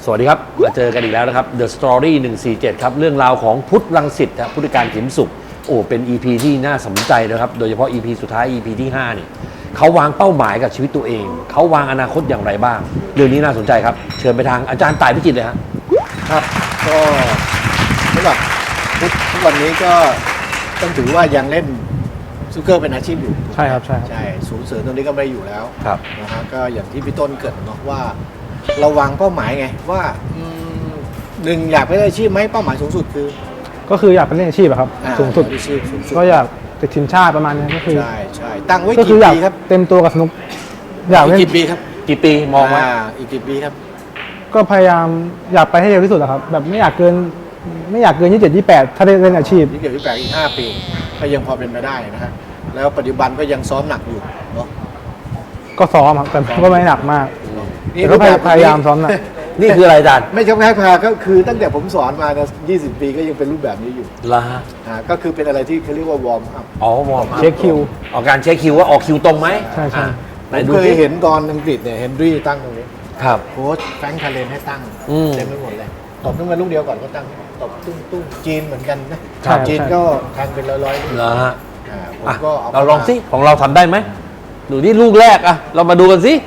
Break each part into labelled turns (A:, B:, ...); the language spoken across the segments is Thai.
A: สวัสดีครับมาเจอกันอีกแล้วนะครับ The Story 147ครับเรื่องราวของพุทธรังสิตครับพุทธการขิมสุขโอ้เป็น EP ที่น่าสนใจนะครับโดยเฉพาะ EP สุดท้าย EP ที่5นี่เขาวางเป้าหมายกับชีวิตตัวเองเขาวางอนาคตอย่างไรบ้างเรื่องนี้น่าสนใจครับเชิญไปทางอาจารย์ต่ายพิจิตรเลย
B: ครับก็สำหรับทุกวันนี้ก็ต้องถือว่ายังเล่นสนุกเกอร์เป็นอาชีพอยู่
C: ใช่ครับใช่
B: ศูนย์เสริมตรงนี้ก็ไม่อยู่แล้ว
A: ครับ
B: นะฮะก็อย่างที่พี่ต้นเกริดเนาะว่าเราวางเป้าหมายไงว่าหนึ่งอยากเป็นอาชีพไหมเป้าหมายสูงสุดคือ
C: ก็คืออยากเป็นเล่นอาชีพครับสูงสุดก็อยากติดทีมชาติประมาณนี้ก็คือ
B: ใช่ตั้งไว้
C: กี่
B: ปีครับ
C: เต็มตัวกับสนุกอยากเล่น
B: กี่ปีครับ
A: กี่ปีมองไว้
B: อีกกี่ปีครับ
C: ก็พยายามอยากไปให้เร็วที่สุดครับแบบไม่อยากเกิน27 28ถ้าได้เล่นอาชีพ
B: 28อีก5ปีก็ยังพอเป็นไปได้นะฮะแล้วปัจจุบันก็ยังซ้อมหนักอยู่เนาะ
C: ก็ซ้อมครับแต่ก็ไม่หนักมากนี่ก็พยายามซ้อมหนัก
A: นี่คืออะไรอาจารย์
B: ไม่ใช่แค่พาก็คือตั้งแต่ผมสอนมานะ20 ปีก็ยังเป็นรูปแบบนี้อยู่
A: ละ
B: ก็คือเป็นอะไรที่เขาเรียกว่าวอร์มอัพ
A: วอร์มอัพ
C: เช็คคิว
A: ออกการเช็คคิวว่าออกคิวตรงไหม
C: ใช่ใช่
B: ผมเคยเห็นตอนอังกฤษเนี่ยเฮนรี่ตั้งตรงนี้
A: ครับ
B: โค้ชแฟรงค์คาเรนให้ตั้งเต็มไปหมดเลยตบขึ้นมาลูกเดียวก่อนก็ตั้งตบตุ้งจีนเหมือนกันนะจีนก็แทงเป็นร้อยๆ
A: นะฮะ
B: ผมก็
A: เราลองสิของเราทำได้ไหมดูที่ลูกแรกอะเรามาดูกันสิ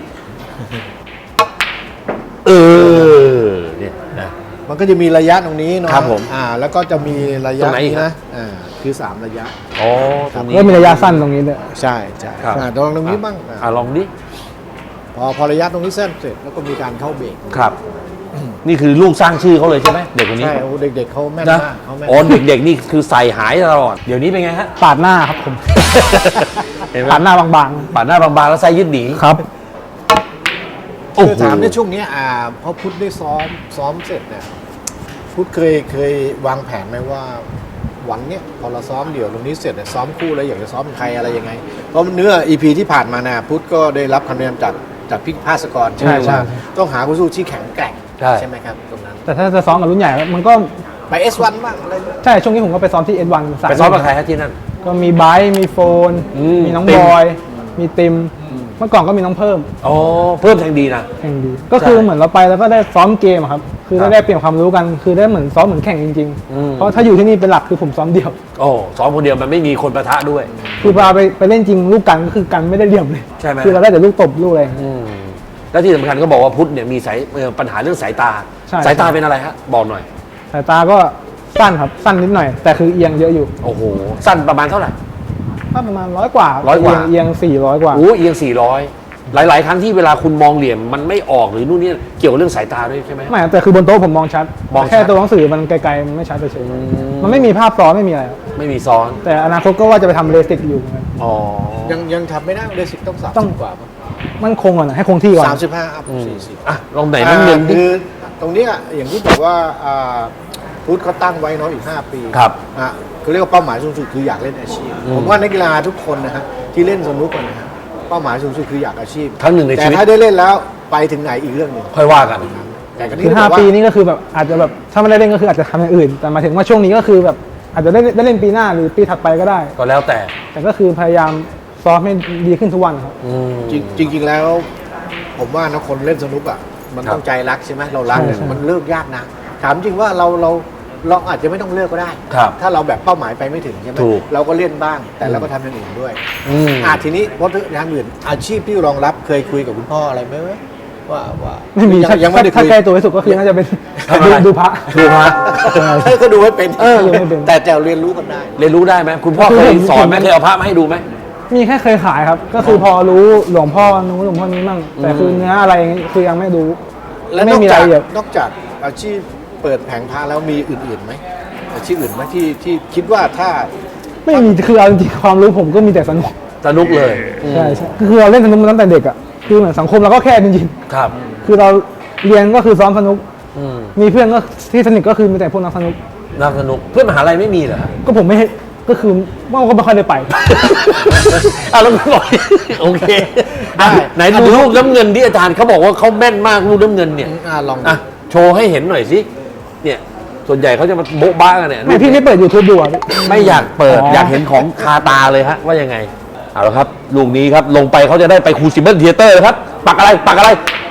A: เนี่ยนะ
B: มันก็จะมีระยะตรงนี้เนาะ
A: ครับผม
B: แล้วก็จะมีระยะนี้นะคือ3ระยะ
A: ตรงนี้
C: ก็มีระยะสั้นตรงนี้ด้วย
B: ใช่ลองตรงนี้บ้าง
A: ลองดิ
B: พอระยะตรงนี้เส้นเสร็จแล้วก็มีการเข้าเบรก
A: ครับนี่คือลูกสร้างชื่อเขาเลยใช่ไหมเด็กคนนี้
B: ใช่เด็กๆเขาแม่นมาก
A: เด็กๆนี่คือใส่หายตลอดเดี๋ยวนี้เป็นไงฮะ
C: ปาดหน้าครับผมปาดหน้าบาง
A: ๆปาดหน้าบางๆแล้วไส้ยืดหนี
C: ครับ
B: คือถามในช่วงนี้พอพุทธได้ซ้อมเสร็จเนี่ยพุทธเคยวางแผนไหมว่าวันเนี้ยพอเราซ้อมเดี่ยวตรงนี้เสร็จซ้อมคู่แล้วอยากจะซ้อมใครอะไรยังไงเพราะเนื้อ EP ที่ผ่านมานะพุทธก็ได้รับคำแนะนำจากพี่ภาสกรใช่ไหมว่าต้องหาคู่สู้ที่แข็งแกร่งใช่ไหมครับตรงนั้น
C: แต่ถ้าจะซ้อมกับรุ่นใหญ่มันก็
B: ไป S1 บ้างอะไร
C: ใช่ช่วงนี้ผมก็ไปซ้อมที่ S1
A: ไปซ้อมกับใครครับที่นั่น
C: ก็มีไบร์ทมีโฟนมีน้องบอยมีติมเมื่อก่อนก็มีน้องเพิ่ม
A: เพิ่มแทงดีนะ
C: แทงดีก็คือเหมือนเราไปแล้วก็ได้ซ้อมเกมครับคือได้เปลี่ยนความรู้กันคือได้เหมือนซ้อมเหมือนแข่งจริงๆเพราะถ้าอยู่ที่นี่เป็นหลักคือผมซ้อมเดียว
A: ซ้อมคนเดียวมันไม่มีคนปะทะด้วย
C: คือพาไปเล่นจริงลูกกันก็คือกันไม่ได้เหลี่ยมเลย
A: ใช่ไหม
C: คือเราได้แต่ลูกตบลูกอะไร
A: แล้วที่สำคัญก็บอกว่าพุทธเนี่ยมีปัญหาเรื่องสายตาสายตาเป็นอะไรฮะบอกหน่อย
C: สายตาก็สั้นครับสั้นนิดหน่อยแต่คือเอียงเยอะอยู่
A: โอ้โหสั้นประมาณเท่าไหร่
C: ประมาณ100 กว่าเอียง400 กว่า
A: เอียง400หลายครั้งที่เวลาคุณมองเหลี่ยมมันไม่ออกหรือนู่นนี่เกี่ยวกับเรื่องสายตาด้วยใช่ไหม
C: ไม่แต่คือบนโต๊ะผมมองชัดแค่ตัวหนังสือมันไกลๆมันไม่ชัดเฉยๆมันไม่มีภาพซ้อนไม่มีอะไร
A: ไม่มีซ้อน
C: แต่อนาคตก็ว่าจะไปทำเลสิกอยู่
B: ยังทำไม่ได้เลสิกต้อง30 กว่า
C: มันคงก่อนให้คงที่ก่อน
B: 35อัพ40
A: ลองไหนนั่นเงิน
B: คือตรงนี้อย่างที่บอกว่าพุทธเขาตั้งไว้เนาะอีก5 ปี
A: ครับ
B: เขาเรียกว่าเป้าหมายสูงสุดคืออยากเล่นอาชีพผมว่านักกีฬาทุกคนนะฮะที่เล่นสนุกนะฮะเป้าหมายสูงสุดคืออยากอาชีพ
A: ครั้งหนึ่งในชีวิต
B: แต่ถ้าได้เล่นแล้วไปถึงไหนอีกเรื่องหนึ่ง
A: ค่อยว่ากัน
C: คือ5 ปีนี้ก็คือแบบอาจจะแบบถ้าไม่ได้เล่นก็คืออาจจะทำอย่างอื่นแต่มาถึงว่าช่วงนี้ก็คือแบบอาจจะได้เล่นปีหน้าหรือปีถัดไปก็ได้
A: ก็แล้วแต่
C: ก็คือพยายามซ้อมให้ดีขึ้นทุกวันครับ
B: จริงๆแล้วผมว่านะคนเล่นสนุกมันต้องใจรักใช่ไหมเรารักมันเลิกยากนะถามจริงว่าเราอาจจะไม่ต้องเลิกก็ได้ถ้าเราแบบเป้าหมายไปไม่ถึงใช่ไหมเราก็เล่นบ้างแต่เราก็ทำอย่างอื่นด้วยทีนี้เพราะทางอื่นอาชีพที่รองรับเคยคุยกับคุณพ่ออะไรไหมว่า
C: ไม่มียังไม่ได้ถ้าใกล้ตัวที่สุดก็คือน่าจะเป็นดูพระ
B: ก็ดูให้เป็นแต่เรียนรู้กันได้
A: เรียนรู้ได้ไหมคุณพ่อเคยสอนไหมเคยเอาพระมาให้ดูไหม
C: มีแค่เคยขายครับก็คือพอรู้หลวงพ่อนู้นหลวงพ่อนี้มั่งแต่คือเนื้ออะไรคือยังไม่รู้
B: และไม่มีรายละเอียดนอกจากอาชีพเปิดแผงพระแล้วมีอื่นๆไหมอาชีพอื่นไหมที่คิดว่าถ้า
C: ไม่มีคือเอาจริงความรู้ผมก็มีแต่ส
A: นุกเลย
C: ใช่คือเราเล่นสนุกมาตั้งแต่เด็กคือเหมือนสังคมเราก็แค่จริง
A: ๆครับ
C: คือเราเรียนก็คือซ้อมสนุกมีเพื่อนก็ที่สนิทก็คือมีแต่พวกนักสนุก
A: เพื่อนมหาลัยไม่มีเหรอ
C: ก็ผมไม่ก็คือว่าก็ไม่ค่อยได้ไป
A: แล้วคุณบอกโอเคไหนดูลูกน้ำเงินที่อาจารย์เขาบอกว่าเขาแม่นมากลูกน้ำเงินเนี่ย
B: ลอง
A: โชว์ให้เห็นหน่อยสิเนี่ยส่วนใหญ่เขาจะมาโบ๊ะบ้ากันเนี่ย
C: พี่ไม่เปิด YouTube ดู
A: ไม่อยากเปิดอยากเห็นของคาตาเลยฮะว่ายังไงเอาละครับลูกนี้ครับลงไปเขาจะได้ไปครูซิเบิลเธียเตอร์ครับปักอะไร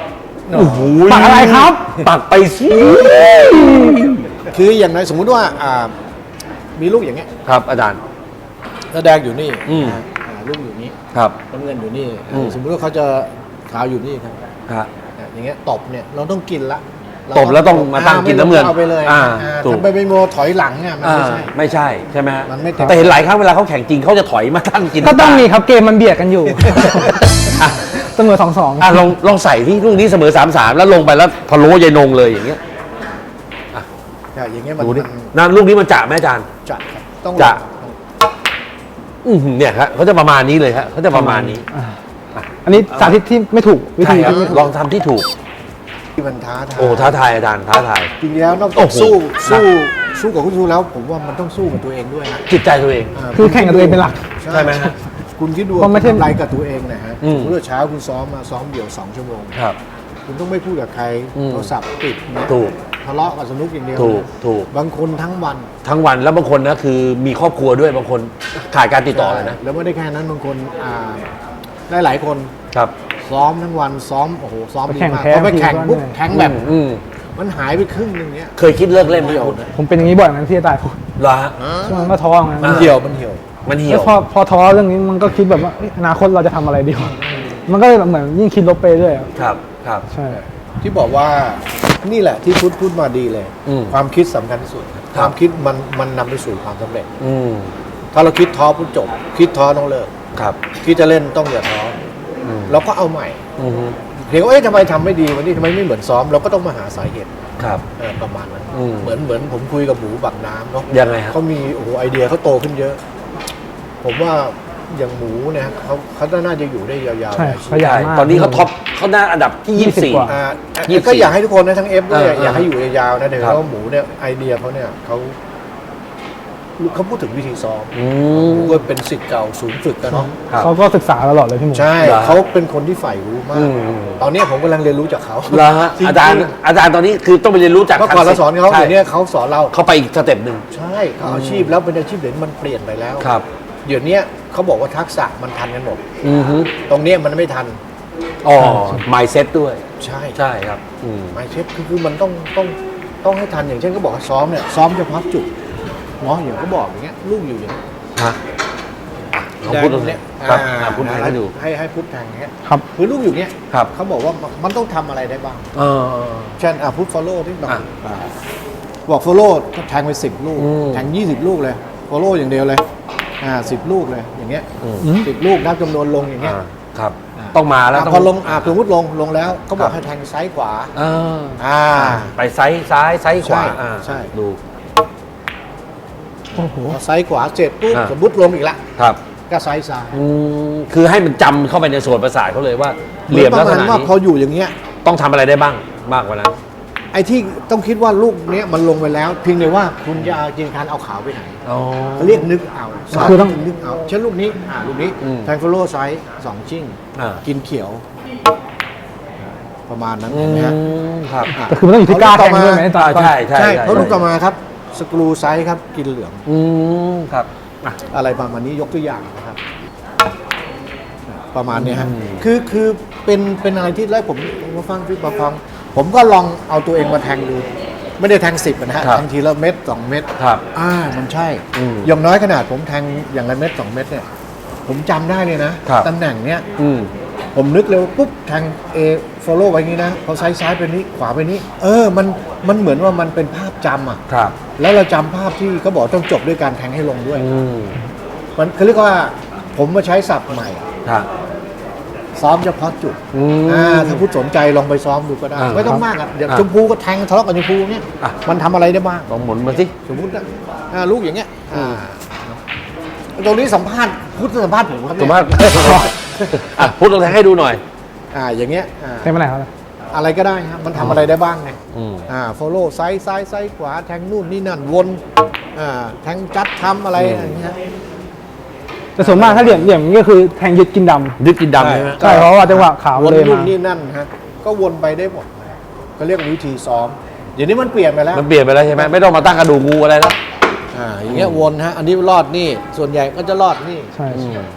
A: โอ้โห
C: ปักอะไรครับ
A: ปักไปสิ
B: คืออย่างไรสมมุติว่ามีลูกอย่างเงี้ย
A: ครับอาจารย์
B: แล้วแดงอยู่นี่
A: อืม
B: ลูกอยู่นี่
A: ครับ
B: น้ำเงินอยู่นี่
A: อืม
B: สมมุติว่าเขาจะขาวอยู่นี่ครับ
A: ครับ
B: อย่างเงี้ยตบเนี่ยเราต้องกินละ
A: ตบแล้วต้องมาตั้งกินน้ำเงิน
B: เอาไปเลย
A: ถูก
B: ทำไปเป็นโมถอยหลังเนี่ยมันไม่ใช่
A: ไม่ใช่ใช่ไหมฮะ
B: มันไม่ถูก
A: แต่เห็นหลายครั้งเวลาเขาแข่งจริงเขาจะถอยมาตั้งกิน
C: ก็ต้องมีครับเกมมันเบียดกันอยู่
A: อ่ะ
C: เสมอ 2-2
A: อ่ะลองใส่ที่ลูกนี้เสมอ 3-3 แล้วลงไปแล้วพะโล้ยายนงเลยอย่างเงี้ย
B: อย่างเงี้ยมัน
A: ดูดินั่นลูกนี้มันจะไหมอาจารย์
B: จัดครับต้อง
A: จะ
B: ลอง
A: เนี่ยครับเขาจะประมาณนี้เลยครับเขาจะประมาณนี้
C: อันนี้สาธิตที่ไม่ถูกวิ
A: ใช่
C: ธี
A: ครับ
C: ที่ไม่ถูก
A: ลองทำที่ถูก
B: ที่มันท้าทาย
A: โอ้ท้าทายอาจารย์ท้าทาย
B: จริงๆแล้วนอก
A: โอ้
B: จาก
A: โห
B: สู้กับคุณครูแล้ว ผมว่ามันต้องสู้กับตัวเองด้วยนะ
A: จิตใจตัวเอง
C: คือแข่งกับตัวเองเป็นหลัก
A: ใช่ไหมฮะ
B: คุณคิดดู
C: เพราะไม่ใช่
B: ทำไรกับตัวเองนะฮะ
A: อืม
B: เมื่อเช้าคุณซ้อมมาซ้อมเดี่ยว2 ชั่วโมง
A: ครับ
B: คุณต้องไม่พูดกับใคร
A: อืม
B: โทรศัพท์ปิดนะ
A: ถูก
B: ทะเลาะกับสนุกอย่างเดียว
A: ถูก
B: บางคนทั้งวัน
A: ทั้งวันแล้วบางคนนะคือมีครอบครัวด้วยบางคนขาดการติดต่อเลยนะ
B: แล้วไม่ได้แค่นั้นบางคนได้หลายคน
A: ครับ
B: ซ้อมทั้งวันซ้อมโอ้โหซ้อม
C: ไป
B: ดี
C: แข่ง
B: มาก
C: แพ้
B: พอไปแข่ง
C: ทีก็
B: ปุ๊บ
C: เหนื่อย
B: แข่งแบบ
A: อืม
B: มันหายไปครึ่งหนึงเนี้ย
A: เคยคิดเลิกเล่นไหม
B: เหี่ยว
A: คุณ
B: นะ
C: ผมเป็นอย่างนี้บ่อยเหมือนกันที่จะตายผม
A: เหรอฮะ
C: ช่วงนั้นก็ท้อเหมือนกัน
B: มันเหี่ยวมันเหี่ยว
A: มันเหี่
C: แล้
A: ยว ว
C: พอท้อเรื่องนี้มันก็คิดแบบว่าเอ้ยอนาคตเราจะทำอะไรดีวะมันก็เลยแบบเหมือนยิ่งคิดลบไปเรื่อยอะ
A: ครับครับ
C: ใช่
B: ที่บอกว่านี่แหละที่พูดมาดีเลย
A: อืม
B: ความคิดสำคัญที่สุด
A: ครับ
B: ความคิดมันนำไปสู่ความสำเร็จ
A: อืม
B: ถ้าเราคิดท้อปุ๊บจบ คิดท้อต้องเลิก
A: ครับ
B: คิดจะเล่นต้องอย่าท้ออ
A: ม
B: เราก็เอาใหม่
A: อืม
B: เพียงว่าเอ๊ะทำไมทำไม่ดีวันนี้ทำไมไม่เหมือนซ้อมเราก็ต้องมาหาสาเหตุ
A: ครับ
B: ประมาณนั้น
A: อืม
B: เหมือนผมคุยกับหมูบักน้ำเนาะ
A: ยังไงฮะ
B: เขามีโอ้โหไอเดียเขาโตขึ้นเยอะ ผมว่าอย่างหมูเนี่ยเขาน่าจะอยู่ได้ยาวๆ
C: ใช่
B: หลายชี
C: ข
B: วิต
C: ยันมาก
A: ตอนนี้เขาท็อปเขาหน้าอันดับที่
C: 20 กว่า
A: 24
B: ก็อยากให้ทุกคนนะทั้งเอฟด้วย
A: อย
B: ากให้อยู่ยาวๆนะเดี๋ยว
A: ครับ
B: ว่าหมูเนี่ยไอเดียเขาเนี่ยเขาพูดถึงวิธีซ้อม
A: อื
B: ห
A: ม
B: มูก็เป็นศิษย์เก่าศูนย์ฝึกกันเนาะ
A: ครับ
C: เขาก็ศึกษาตลอดเลยพี่หมู
B: ใช่
A: เหรอ
B: เขาเป็นคนที่ใฝ่รู้มา
A: อื
B: ก
A: ม
B: ตอนนี้ผมกำลังเรียนรู้จากเขา
A: เหรอฮะ
B: จงๆ
A: อาจารย์ตอนนี้คือต้องไปเรียนรู้จาก
B: เมื่อก่อนเราสอนเขา
A: ใช่
B: เดี๋ยวนี้เขาสอนเรา
A: เขาไปอีกสเต็ปหนึ่ง
B: ใช่เขาอาชีพแล้วเป็นอาชีพเดี๋ยวนี้มันเปลี่ยนไปแล้ว
A: ครับ
B: เดี๋ยวนี้เขาบอกว่าทักษะมันทันกันหมด
A: อือฮึ
B: ตรงเนี้ยมันไม่ทัน
A: อ๋อ mindset ด้วย
B: ใช่
A: ใช่ครับอืม
B: ไม่เชฟคือมันต้องให้ทันอย่างเช่นก็บอกว่าซ้อมเนี่ยซ้อมเฉพาะจุดเนาะอย่างเขาบอกอย่างเงี้ยลูกอยู่อย่างเงี้ย
A: ฮะลองพูดตรงนี้
B: แด
A: ครับ
B: ง
A: พูดให้ดู
B: ให้พูดแทงอย่างเงี้ย
C: ครับ
B: คือลูกอยู่เงี้ย
A: ครับ
B: เขาบอกว่ามันต้องทำอะไรได้บ้าง
A: เออ
B: เช่นพูด follow ที่บอก
A: อ่ะ
B: บอก follow ก็แทงไป10 ลูก
A: อืม
B: แทง20 ลูกเลย follow อย่างเดียวเลย10 ลูกเลยอย่างเงี้ย
A: อืม
B: 10 ลูกนับจำนวนลงอย่างเงี้ย
A: ครับ ต้องมาแล้ว
B: พอลงสมมติลงแล้วเขาบอกให้แทงซ้ายขวา
A: เออ
B: ไป
A: ไปไซส์ซ้ายไซส์ขวา
B: ใช่ใช่
A: ดู
C: โอ้โห
B: พอซ้ายขวาเสร็จปุ๊บ
A: อ่า
B: สมมติลงอีกละ
A: ครับ
B: ก็ซ้ายซ้าย
A: คือให้มันจำเข้าไปในส่วนประสาทเขาเลยว่า
B: เห
A: เห
B: มื
A: ลี่
B: อย น
A: ม
B: ป
A: ลั
B: ระ
A: กษ
B: มาณ
A: ณะ
B: ว่า
A: นี้
B: พออยู่อย่างเงี้ย
A: ต้องทำอะไรได้บ้างมากกว่านั้น
B: ไอ้ที่ต้องคิดว่าลูกเนี้ยมันลงไปแล้วเพียงแต่ว่าคุณจะจินตนาการเอาขาวไปไหน
A: อ๋อ
B: เขาเรียกนึกเอา
C: คือต้อง
B: นึกเอาเช่นลูกนี้ลูกนี้
A: อืม
B: แทงฟลโล่ไซส์2ชิ่ง
A: อ่า
B: กินเขียว ประมาณนั้นเห็นไหมฮะ
A: ครับ
C: แต่คือมันต้องอยู่ที่กล้าแข่งด้วยไหมตอน
A: ใช่ใช่
B: ใช่เพราะลูกต่อมาครับสกรูไซส์ครับกินเหลือง
A: ครับอ่ะ
B: อะไรประมาณนี้ยกตัวอย่างนะครับประมาณเนี้ยฮะ
A: อืม
B: คือเป็นอะไรที่แล้วผมมาฟังพี่ประฟังผมก็ลองเอาตัวเองมาแทงดู ไม่ได้แทง10นะฮะ
A: ครับ
B: แทงทีละเม็ด2 เม็ด
A: ครับ
B: มันใช่
A: อืม
B: อย่างน้อยขนาดผมแทงอย่างละเม็ด2 เม็ดเนี่ยผมจำได้เลยนะครับ ตำแหน่งเนี้ย
A: อืม
B: ผมนึกเลยว่าปุ๊บแทง A follow ไว้อย่างนี้นะพอซ้ายไปนี้ขวาไปนี้มันเหมือนว่ามันเป็นภาพจำอ่ะ
A: ครับ
B: แล้วเราจำภาพที่เขาบอกต้องจบด้วยการแทงให้ลงด้วย
A: อืม
B: มันเขาเรียกว่าผมมาใช้ศัพท์ใหม่
A: ครับ
B: ซ้อมเฉพาะจุด
A: อืม
B: ถ้าผู้สนใจลองไปซ้อมดูก็ได้ ไม่ต้องมากอ่ะเดี๋ยว
A: อ่ะ
B: ชมพูก็แทงทะเลาะกับชมพูเนี่ย
A: อ่ะ
B: มันทำอะไรได้บ้าง
A: ลองหมุนมาสิ
B: สมมติลูกอย่างเงี้ยตรงนี้สัมภาษณ์พูดสัมภาษณ์ผมครับ
A: สม
B: เนี่ย
A: มติพูดลองแทงให้ดูหน่อย
B: อย่างเงี้ย
C: แข่งมาไหนครับ
B: อะไรก็ได้ครับมันทำอะไรได้บ้างไง
A: อืม
B: follow ซ้ายขวาแทงนู่นนี่นั่นวนแทงจัดทำอะไรอย่างเงี้ย
C: แต่ส่วนมากถ้าเหลี่ยมอย่างนี้ก็คือแทงยึดกินดำ
A: ยึดกินดำใช่ไหม
C: ใช่เพราะว่าจังหวะขาว
B: วน
C: เลย
B: นู่น
C: มา
B: นี่นั่นฮะก็วนไปได้หมดก็เรียกวิธีซ้อมเดี๋ยวนี้มันเปลี่ยนไปแล้ว
A: มันเปลี่ยนไปแล้วใช่ไหมไม่ต้องมาตั้งกระดูกงูอะไรแล้ว
B: อย่างเงี้ยวนฮะอันนี้รอดนี่ส่วนใหญ่ก็จะรอดนี่
C: ใช่
A: อืม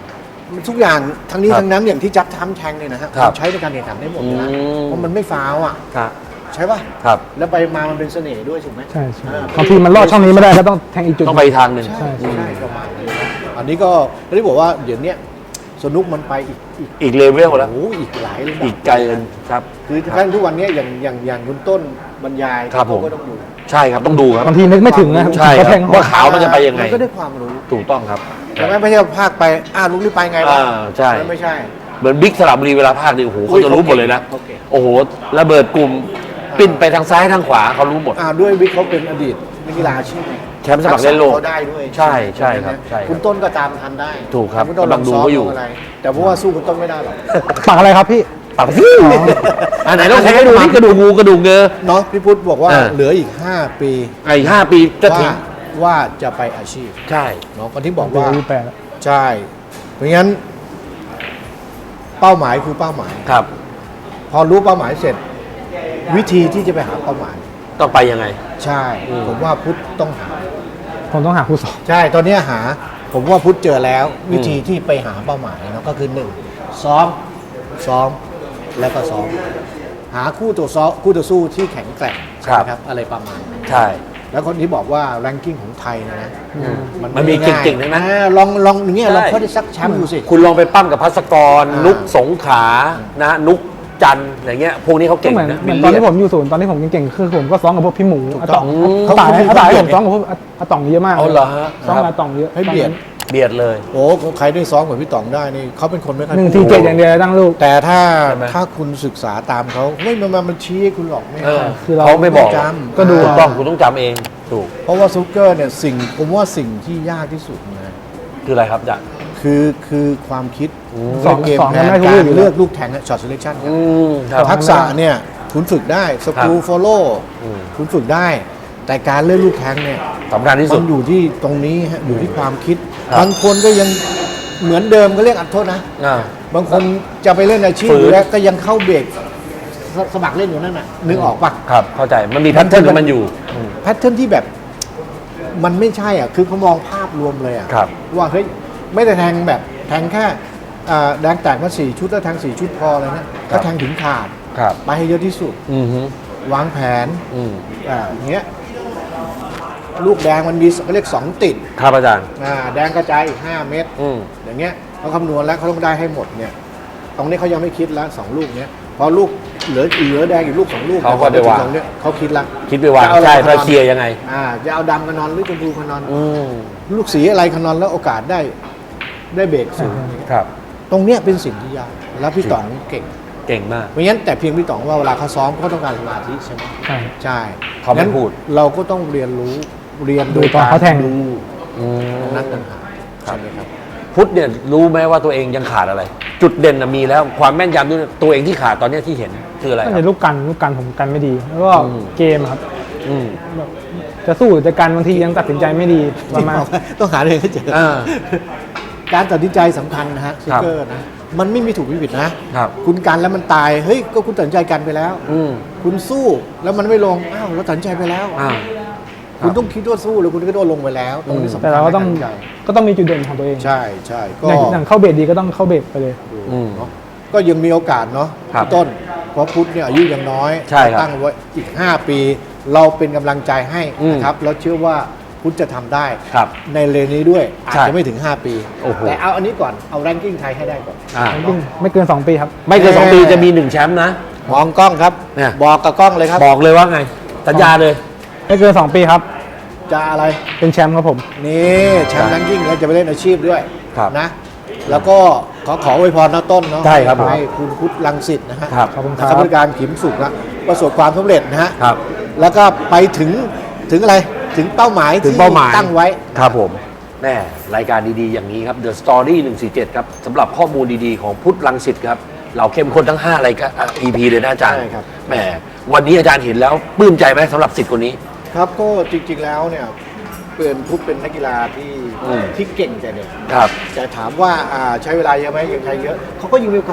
B: มันทุกอย่างทั้งนี้
A: ครับ
B: ทั้งนั้นอย่างที่จัดทำแทงเนี่ยนะฮะ
A: ครับ
B: ใช้ในการแข่งขันได้หมดเลยนะ
A: อืม
B: เพราะมันไม่ฟาวอ่ะ
A: ครับ
B: ใช่ป่ะ
A: ครับ
B: แล้วไปมามันเป็นเสน่ห์ด้วยถูกไหม
C: ใช่ใช่
B: อ่า
C: บางทีมันลอดช่องนี้ไม่ได้ก็ต้องแทงอีกจุด
A: ต้องไปอีกทางหนึ่ง
B: ใช่ใช่ประมาณนี้นะอันนี้ก็ที่บอกว่าเดี๋ยวเนี้ยสนุกมันไปอีก
A: อีกเลเวลแล้ว
B: โอ้โหอีกหลายระดับ
A: อีกไกลเลยครับ
B: คือขั้นทุกวันเนี้ยอย่างคุณต้นบรรยาย
A: ครับผม
B: เขาก็ต้องดู
A: ใช่ครับต้องดูครับ
C: บางทีนึกไม่ถึงนะครับ
A: ใช่ค
C: ก็
A: รับ
C: แทง
A: ว่าขาวมันจะไปยังไง
B: มันก็ได้ความรู้
A: ถูกต้องครับ
B: แต่ไม่ใช่ภาคไปลุกนี่ไปไงวะ
A: ใช่
B: มันไม่ใช่
A: เหมือนบิ๊กสระบุรีเวลาภาคนี่โอ้โหเขาจะรู้หมดเลยนะ
B: โอเค
A: โอ้โหระเบิดกลุ่มปิ้นไปทางซ้ายทางขวาเขารู้หมด
B: ด้วยวิกเขาเป็นอดีตนักกีฬาอาชีพไง
A: แชมป์สมัครเล่นโลก
B: เขาได้ด้วย
A: ใช่ใช่ครับใช่ครับ
B: คุณต้นก็ตามทันได้
A: ถูกครับ
B: คุณต้น
A: กำลังดูก็อยู่
B: ลงซ้มลงอะไร แต่เพราะว่าสู้คุณต้นไม่ได้หรอก
C: ปักอะไรครับพี่
A: ปากที่อันไหนต้องแทงให้ดูนี่กระดูกงูกระดูกเงอ
B: เนาะพี่พุทธบอกว่า
A: เออ
B: เหลืออีก 5 ปี
A: อีก5 ปีจะถึง
B: ว่าจะไปอาชีพ
A: ใช่
B: เนาะคนที่บอก
C: ว่า
B: ว่า
C: แปดแล้ว
B: ใช่ เพราะงั้น เป้าหมายคือเป้าหมาย
A: ครับ
B: พอรู้เป้าหมายเสร็จ วิธีที่จะไปหาเป้าหมาย
A: ต้องไปยังไง
B: ใช่
A: อืม
B: ผมว่าพุทธต้องหา
C: ผมต้องหาคู่สอง
B: ใช่ ตอนนี้หา ผมว่าพุทธเจอแล้ว วิธีที่ไปหาเป้าหมายเนาะก็คือ1ซ้อม แล้วก็ซ้อม หาคู่ต่อสู้ที่แข็งแกร่งใช่ไหมครับ อะไรประมาณนั้น
A: ใช่
B: แล้วคนที่บอกว่าแรงกิ้งของไทยเนยนะ
A: มันมี
B: ไง่าย
A: เก่งๆทั้งนั้น
B: ลองอย่างเงี้ย
A: ใช่
B: ลองเขาได้สักแชมป์ดูสิ
A: คุณลองไปปั้มกับพัสกร
B: อ่านุ
A: นุกสงขลานะนุกจันทร์อะไรเงี้ยพวกนี้เขา
C: ก็
A: เก่ง
C: เหมือน
A: นะ
C: เหมือนตอนที่ผมอยู่ศูนย์ตอนที่ผมเก่งๆคือผมก็ซ้อมกับพวกพี่หมู
B: ถูก
C: อา
B: ต้
C: ต๋
B: อ
C: อง ง
B: เขา
C: อาต๋าย
B: เขา
C: อาต๋าย
B: เบีย
C: ผ
B: ด
C: มซ้อมกับพวกอาต๋องเยอะมาก
A: เอาเหรอฮะ
C: ซ้อมกับอาต๋องเยอะ
B: ให้เบียด
A: เบียดเลย
B: โอ้ใครได้ซ้อมกับพี่ต๋องได้นี่เขาเป็นคนไม่ค่อย
C: หนึ่ง
B: พู
C: ที
B: ด
C: เจ็ดอย่างเดียวตั้งลูก
B: แต่ถ้า
A: ใช่ไหม
B: คุณศึกษาตามเขาไม่มันชี้ให้คุณหรอกไม่
A: เออ
C: คือเรา
A: เขาไม่บอก
B: จำ
C: ก็ดู
A: ถูกต้องคุณต้องจำเองถูก
B: เพราะว่าซุกเกอร์เนี่ยผมว่าสิ่งที่ยากที่สุดนะ
A: คืออะไรครับจ๊ะ
B: คือความคิด
C: สอง
B: เกม
C: สอง
B: แผ
C: ยัง
B: น
C: ไม่รู้
B: การ
C: อยู่
B: เลือกลูกแทงช็อตเซเลคชั่น
A: ครับ
B: ทักษะเนี่ยคุณฝึกได้สกรูฟอลโล่
A: อืม
B: คุณฝึกได้ แต่การเลือกลูกแทงเนี่ย
A: สำคัญที่
B: มั
A: สุด
B: นอยู่ที่ตรงนี้ฮะอยู่ที่ความคิด
A: ครับ
B: บางคนก็ยังเหมือนเดิมก็เรียกอัดโทษนะ
A: อ่า
B: บางคนจะไปเล่นอาชีพ
A: ฝืน
B: อยู่แล้วก็ยังเข้าเบรกสมัครเล่นอยู่นั่นน่ะนึกออกปะ
A: ครับเข้าใจมันมีแพทเทิร์นของมันอยู่
B: แพทเทิร์นที่แบบมันไม่ใช่อ่ะคือเขามองภาพรวมเลยอ่ะ
A: ครับ
B: ว่าเฮ้ยไม่ได้แทงแบบแทงแค่แดงแตกมา4 ชุดแล้วแทง4 ชุดพอเลยนะก็แทงถึงขาด
A: ครับ
B: ไปให้เยอะที่สุด
A: อือฮึ
B: วางแผน
A: อืม
B: อย่างเงี้ยลูกแดงมันมีเขาเรียก2 ติด
A: ครับอาจารย์
B: แดงกระจายอีก5 เม็ด
A: อืม
B: อย่างเงี้ยเขาคำนวณแล้วเขาต้องได้ให้หมดเนี่ยตรงนี้เขายังไม่คิดแล้ว2 ลูกเนี้ยพอลูกเหลือแดงอีกลูก2 ลูก
A: เขาก็ไปวาง
B: ตรงเนี้ยเขาคิดละ
A: คิดไปวาง
B: จะเอาอะไร
A: ใช่
B: มานอน
A: เพื่อเคลียร์ยังไง
B: จะเอาดำกันนอนหรือชมพูกันนอน
A: อืม
B: ลูกสีอะไรกันนอนแล้วโอกาสได้เบรกสูง
A: ครับ
B: ตรงเนี้ยเป็นสิ่งที่ยากแล้วพี่ต๋องเก่ง
A: เก่งมาก
B: เพราะงั้นแต่เพียงพี่ต๋องว่าเวลาเขาซ้อมเขาต้องการสมาธิใช่ไหม
C: ใช่
B: ใช่
A: เขาไม่
B: งั้น
A: พูด
B: เราก็ต้องเรียนรู้เรียน
C: ดู
B: โดย
C: ตอน
B: การ
C: เขาแทง
B: ดู
A: อืม
B: นักต่างหากใช่ไหมครับ
A: พุทธเนี่ยรู้ไหมว่าตัวเองยังขาดอะไร จุดเด่นน่ะมีแล้วความแม่นยำด้วยตัวเองที่ขาดตอนเนี้ยที่เห็นคืออะไรค
C: ก็
A: รับ
C: ในลูกกันผมกันไม่ดี แล้วก็
A: อืม
C: เกมครับ
A: อืม
C: แบบจะสู้หรือจะกันบางทียังตัดสินใจไม่ดีประมาณ
B: ต้องหาเองให้เจอ
A: อ่า
B: การตัดสินใจสำคัญนะฮะซิกเกอร์นะมันไม่มีถูกไม่ผิดนะ
A: ครับ
B: คุณกันแล้วมันตายเฮ้ยก็คุณตัดสินใจกันไปแล้ว
A: อืม
B: คุณสู้แล้วมันไม่ลงอ้าวเราตัดสินใจไปแล้ว
A: อ่า
B: คุณต้องคิดว่าสู้แล้วคุณก็โดนลงไปแล้วตรงนี้สำคัญ
C: แต่เราก็ต้อง
B: ในารตัดสินใจ
C: ก็ต้องมีจุดเด่นของตัวเอง
B: ใช่ใช่ก็
C: อย่างเข้าเบรดดีก็ต้องเข้าเบรดไปเลย
A: อืม
B: เนาะก็ยังมีโอกาสเนาะ
A: ครับ
B: พี่ต้นเพราะพุทธเนี่ยอายุยังน้อย
A: ใช่ครับ
B: ตั้งไว้อีก 5 ปี เราเป็นกำลังใจให้
A: อืม
B: นะครับแล้วเชื่อว่าพุทธจะทำได้
A: ครับ
B: ในเลนนี้ด้วยอาจ
A: ใช่
B: จะไม่ถึง 5 ปี
A: โอ้โห
B: แต่เอาอันนี้ก่อนเอาแรงกิ้งไทยให้ได้ก่อน
A: อ่า
C: ไม่เกิน 2 ปีครับ
A: ไม่เกิน2 ปีจะมี1แชมป์นะ
B: มองกล้องครับ
A: เนี่ย
B: บอกกับกล้องเลยครับ
A: บอกเลยว่าไง สัญญาเลย
C: ไม่เกิน 2 ปีครับ
B: จะอะไร
C: เป็นแชมป์ครับผม
B: นี่แชมป์แรงกิ้งแล้วจะไปเล่นอาชีพด้วย
A: ครับ
B: นะ แล้วก็ขออวยพรนะต้นเนาะ
A: ใช่ครับผม
B: ให้คุณพุทธรังสิตนะฮะ
A: ครับ
C: ขอบคุณค
B: นะ
C: รับ
B: ครับบริการขิมสุขนะประสบความสำเร็จนะฮะ
A: ครับ
B: แล้วก็ไปถึงอะไรถึงเป้าหมาย
A: ถึงเป้าหมาย
B: ที่ตั้งไว้
A: ครับผมแม่รายการดีๆ อย่างนี้ครับ The Story 147 ครับสำหรับข้อมูลดีๆ ของพุทธรังสิตครับ เราเข้มข้นทั้ง5รายการ EP เลยนะอาจารย์
B: ใช่ครับ
A: แหมวันนี้อาจารย์เห็นแล้วปลื้มใจไหมสำหรับสิทธิ์คนนี้
B: ครับก็จริงๆแล้วเนี่ยพุทธเป็นนักกีฬาที่
A: อืม
B: ที่เก่งแต่เด็ก
A: ครับ
B: แต่ถามว่าใช้เวลาเยอะไหมยังใช้เยอะเขาก็ยังมีโอกาส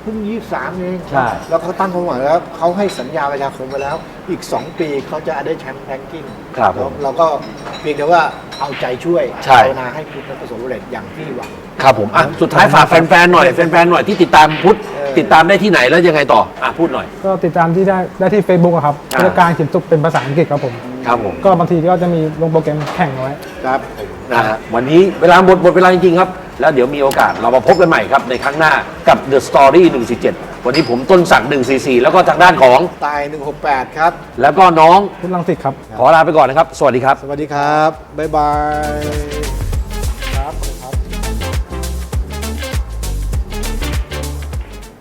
B: เพิ่ง23เอง
A: ใช่
B: แล้วเขาตั้งความหวังแล้วเขาให้สัญญาประชาคมไปแล้ว อีก 2 ปีเขาจะได้แชมป์แรงกิ้ง
A: ครับผม
B: เราก็เพียงแต่ว่าเอาใจช่วย
A: ใช่
B: ภาวนาให้พุทธประสบความสำเร็จอย่างที่หวัง
A: ครับผมอ่ะสุดท้ายฝากแฟนๆหน่อยแฟนๆหน่อยที่ติดตามพุทธ ติดตามได้ที่ไหนแล้วยังไงต่อพูดหน่อย
C: ก็ติดตามที่ได้ที่ Facebook อะครับ
A: อ่า
C: ผู้จัดการเขียนสุขเป็นภาษาอังกฤษครับผม
A: ครับผม
C: ก็บางทีก็จะมีลงโปรแกรมแข่งเอาไว้
B: ครับ
A: นะฮะวันนี้เวลาหมดเวลาจริงๆครับ แล้วเดี๋ยวมีโอกาสเรามาพบกันใหม่ครับในครั้งหน้ากับ The Story 147 วันนี้ผมต้นศักดิ์144 แล้วก็ทางด้านของ
B: ตาย 168 ครับ
A: แล้วก็น้อง
C: พุทธลังสิตครับ
A: ขอลาไปก่อนนะครับ สวัสดีครับ
B: สวัสดีครับ บ๊ายบาย